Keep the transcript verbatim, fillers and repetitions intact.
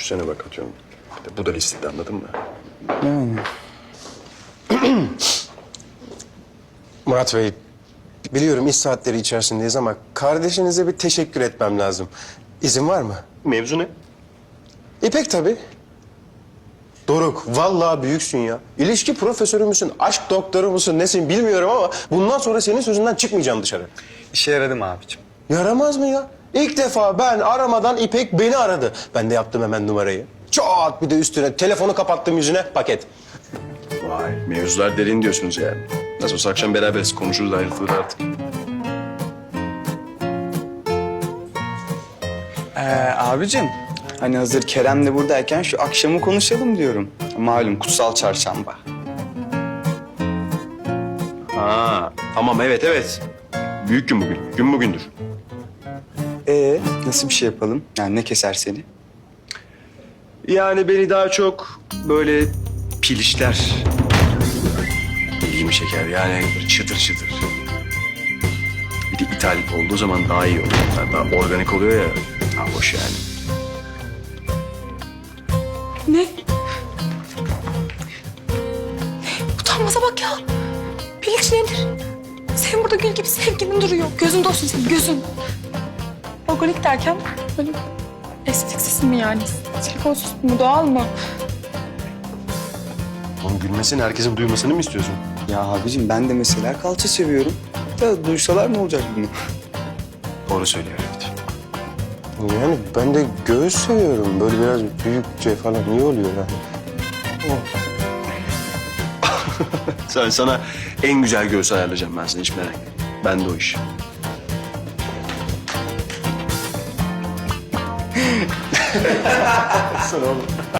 Üstüne bak atıyorum. İşte bu da listede, anladın mı? Yani. Murat Bey, biliyorum iş saatleri içerisindeyiz ama kardeşinize bir teşekkür etmem lazım. İzin var mı? Mevzu ne? İpek tabii. Doruk, vallahi büyüksün ya. İlişki profesörü müsün, aşk doktoru musun, nesin bilmiyorum ama bundan sonra senin sözünden çıkmayacağım dışarı. İşe yaradı mı abicim? Yaramaz mı ya? İlk defa ben aramadan İpek beni aradı. Ben de yaptım hemen numarayı. Çat bir de üstüne telefonu kapattım yüzüne paket. Vay, mevzular derin diyorsunuz yani. Nasıl olsa akşam beraberiz, konuşuruz, ayrılır artık. Ee, abicim, hani hazır Kerem de buradayken şu akşamı konuşalım diyorum. Malum kutsal çarşamba. Ha, tamam, evet evet. Büyük gün bugün, gün bugündür. Ee, nasıl bir şey yapalım? Yani ne keser seni? Yani beni daha çok böyle pilişler ilgimi çeker. Yani böyle çıtır çıtır. Bir de ithal olduğu zaman daha iyi oluyor. Yani daha organik oluyor ya. Ha, hoş yani. Ne? Utanmaza bak ya. Piliç nedir? Senin burada gül gibi sevgilin duruyor. Gözün olsun senin, gözün. Organik derken böyle estetiksiz mi yani? Silikonsuz mu, doğal mı? Onun gülmesini, herkesin duymasını mı istiyorsun? Ya abicim ben de mesela kalça seviyorum. Da duysalar ne olacak bunu? Doğru söylüyor, evet. Yani ben de göğüs seviyorum. Böyle biraz büyükçe falan iyi oluyor yani. Sen sana en güzel göğsü ayarlayacağım ben sana, hiç merak etme. Ben de o iş. Sana oğlum.